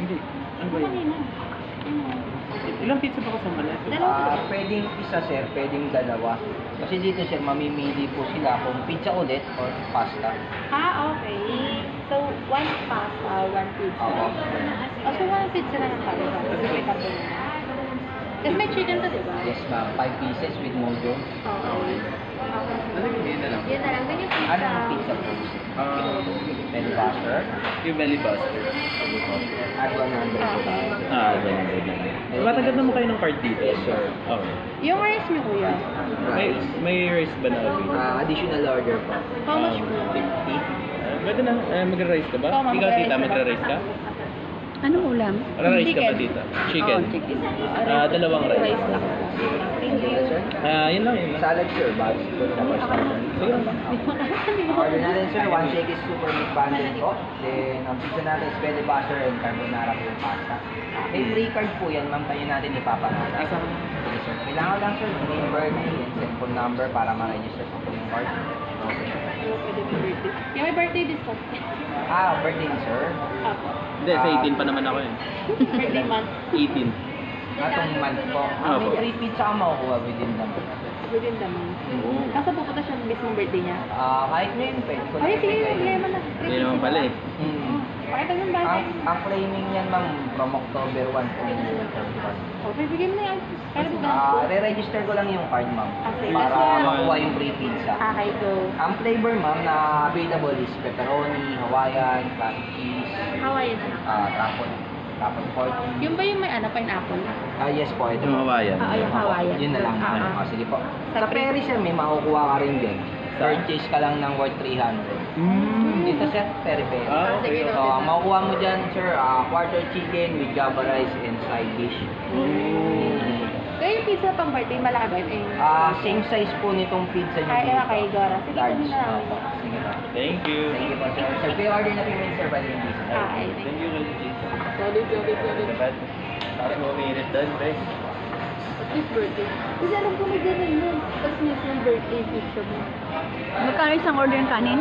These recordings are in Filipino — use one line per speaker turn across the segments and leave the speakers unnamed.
Hindi. Ano ba yun? Ilang pizza ba kasama na ito?
Pwedeng isa sir, pwedeng dalawa. Kasi dito sir, mamimili po sila kung pizza ulit or pasta.
Okay. So, one pasta, one pizza.
Oo.
So, one pizza na lang tayo. Kasi may tatlo na. Kasi may chicken to, di ba?
Yes ma'am, 5 pieces with mojo.
Okay.
Ano yung yun na lang?
Yun na lang. Then yung pizza.
Anong pizza po? Belly buster.
Yung belly buster.
At 100.
Ganyan. Matagal naman kayo ng card dito?
Yes sir.
Okay.
Yung rice niyo, kuya.
May rice ba na available?
Additional order po.
How much po?
50.
Pwede na, magra-rice ka ba?
Oo,
Ikaw
magra-rice
tita,
na.
magra-rice ka?
Anong ulam?
Magra-rice ka ba tita? Chicken?
Chicken.
Dalawang rice.
Rice lang.
Thank you sir.
Yun lang, yun lang.
Salad sir, bags po tapos order.
Sige lang.
Order natin sir, one shake is super meat bundle po. Then, ang pizza natin is belly buster and carbonara po yung pasta. May free card po yan, ma'am, tayo natin ipapangalan. Okay sir. Kailangan lang sir, name, birthday, and cellphone number para ma-register po yung card. Okay.
Yung may birthday discount.
Birthday ni sir.
Apo.
Hindi, sa 18 pa naman ako yun.
Birthday month.
18.
Atong month po. May
Opo.
free pizza ka makukuha within the month.
Within the month.
Oo.
Nasa pupunta siya ng mismong birthday niya.
Kahit ngayon, pwede ko
Ay, sige,
ibigay.
problema na.
Hindi naman pala eh.
Pakita yung bata.
Ang claiming yan, ma'am, from October 1 po.
Okay, bigyan mo na yan. Kaya ba?
Re-register ko lang yung card, ma'am.
Okay.
Para
Yes,
makuha yung free pizza.
Okay, go.
Ang flavor, ma'am, na available is pepperoni, Hawaiian, classic cheese,
Hawaiian na lang.
tapon pork.
Yung ba yung may pineapple?
Yes po, ito.
Yung Hawaiian.
Yung Hawaiian.
Yun na lang. Sige po. Sa
Sa
Perry, sir, may makukuha ka rin din. Purchase ka lang ng worth 300. Dito, sir, Perry.
Sige,
So, ang makukuha mo dyan, sir, quarter chicken with java rice and side dish.
Kaya yung pizza pang birthday, malaki ba yun?
Same size po nitong pizza nyo
Kaya
dito.
kay Dora. Sige,
Large.
ganun na lang.
Sige po.
Thank you.
Thank you po, sir. Sir, pre-order na payment, sir, bali yung pizza.
Okay.
Thank you, Regis.
Solid.
Diba? Tapos mo umiinit doon, pre.
This birthday. Kasi alam ko may ganun nun. Tapos mismong birthday pizza mo.
Magkano isang order ng kanin?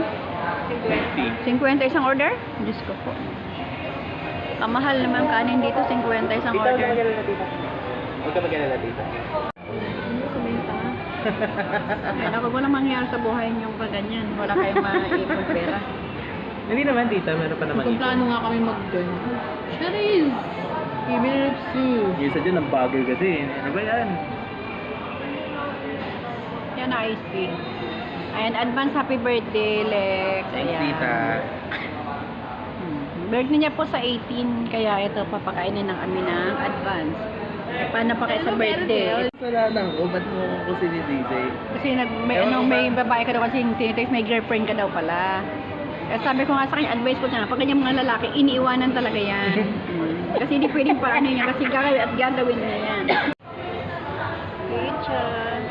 50.
50 isang order? Diyos ko po. Kamahal naman kanin dito, 50 isang
Tita,
order.
huwag ka mag-alala, tita.
Ano sumenta? Ay, naku, walang mangyayari sa buhay niyong pag ganyan. Wala kayong maipong pera.
Hindi naman, tita. Meron pa naman
Magplano nga kami mag-gun. Charis! Ibilipsu!
Yung isa dyan, ang bagal kasi. Ano ba yan?
Yan, ice cream. Ayan, advance happy birthday, Lex.
Thanks,
Ayan.
tita.
Birthday niya po sa 18, kaya ito, papakainin ng kami ng advance. Eh, paano pa kayo sa birthday?
Wala lang. O, ba't mo ako sinisisi?
Kasi may babae ka daw kasi tinitext, may girlfriend ka daw pala. Kaya sabi ko nga sa kanya, advice ko siya, pag ganyan mga lalaki, iniiwanan talaga yan. Kasi hindi pwedeng paano niya, kasi gagawin at gagawin niya yan. Pizza.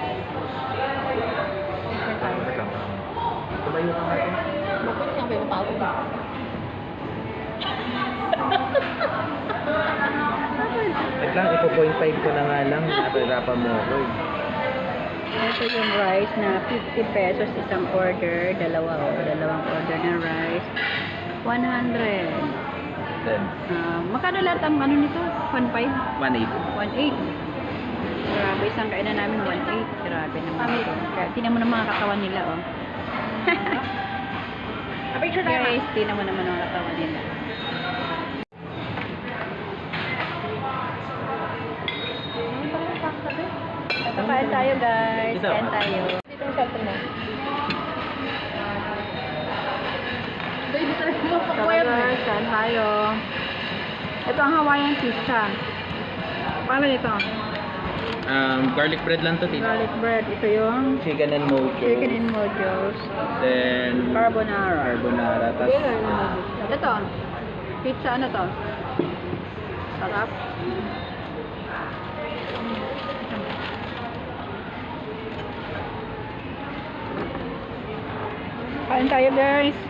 Tumayo ka natin.
Bakit nga ba yung pawag?
Wait lang, ipo 0.5 ko na nga lang. Napahirapan mo ako eh.
Ito yung rice na 50 pesos isang order. Dalawang order ng rice. 100.
Then,
Magkano lahat ang ano nito? 1.5?
1.8.
1.8. Grabe, isang kainan namin 1.8. Grabe naman ito. Kaya tingnan mo ng mga katawan nila, oh.
Picture tayo.
Guys, tingnan mo naman ang mga katawan nila. Kain tayo, guys.
Ito.
Kain tayo.
Dito yung cellphone mo. Hindi tayo mapapayat
Tara,
mo.
guys. Kain tayo. Ito ang Hawaiian pizza. Paano ito?
Garlic bread lang to, tita.
Garlic bread. Ito yung
Chicken and mojo.
chicken and mojos.
Then,
Carbonara.
carbonara. Tapos,
Ito. Pizza ano to? Sarap. Kain tayo, guys.